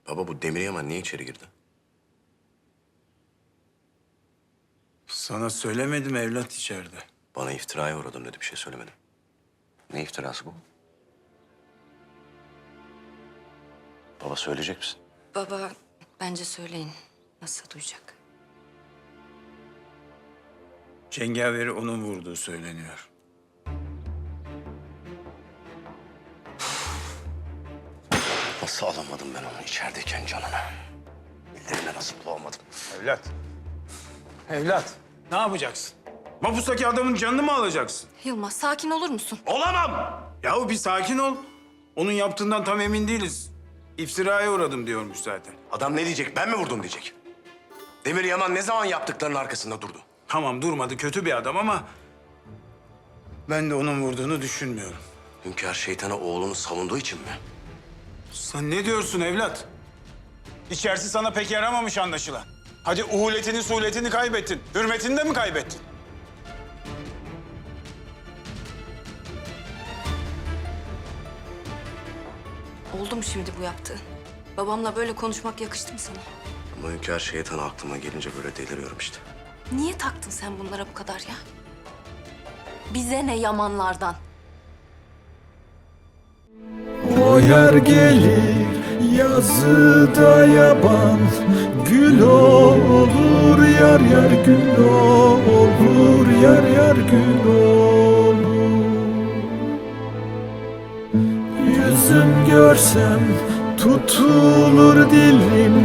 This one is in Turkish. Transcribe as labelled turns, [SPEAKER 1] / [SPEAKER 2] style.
[SPEAKER 1] Baba bu Demir Yaman niye içeri girdi?
[SPEAKER 2] Sana söylemedim evlat içeride.
[SPEAKER 1] Bana iftiraya uğradım dedi, bir şey söylemedim. Ne iftirası bu? Baba söyleyecek misin?
[SPEAKER 3] Baba, bence söyleyin. Nasıl duyacak?
[SPEAKER 2] Cengaveri onun vurduğu söyleniyor.
[SPEAKER 1] Nasıl alamadım ben onu içerideyken canına? Ellerine nasıl bulamadım?
[SPEAKER 2] Evlat. Evlat. Ne yapacaksın? Mapustaki adamın canını mı alacaksın?
[SPEAKER 3] Yılmaz, sakin olur musun?
[SPEAKER 2] Olamam! Yahu bir sakin ol. Onun yaptığından tam emin değiliz. İftiraya uğradım diyormuş zaten.
[SPEAKER 1] Adam ne diyecek? Ben mi vurdum diyecek. Demir Yaman ne zaman yaptıklarının arkasında durdu?
[SPEAKER 2] Tamam durmadı, kötü bir adam ama... ben de onun vurduğunu düşünmüyorum.
[SPEAKER 1] Hünkâr şeytana oğlunu savunduğu için mi?
[SPEAKER 2] Sen ne diyorsun evlat? İçerisi sana pek yaramamış anlaşılan. Hadi uhuletini, suhuletini kaybettin. Hürmetini de mi kaybettin?
[SPEAKER 3] Oldu mu şimdi bu yaptığın? Babamla böyle konuşmak yakıştı mı sana?
[SPEAKER 1] Ama hünkâr şeytan aklıma gelince böyle deliriyorum işte.
[SPEAKER 3] Niye taktın sen bunlara bu kadar ya? Bize ne Yamanlardan?
[SPEAKER 4] O yer gelir yazıda yaban, gül olur yar yar, gül olur yar yar, gül olur. Yüzüm görsem tutulur dilim,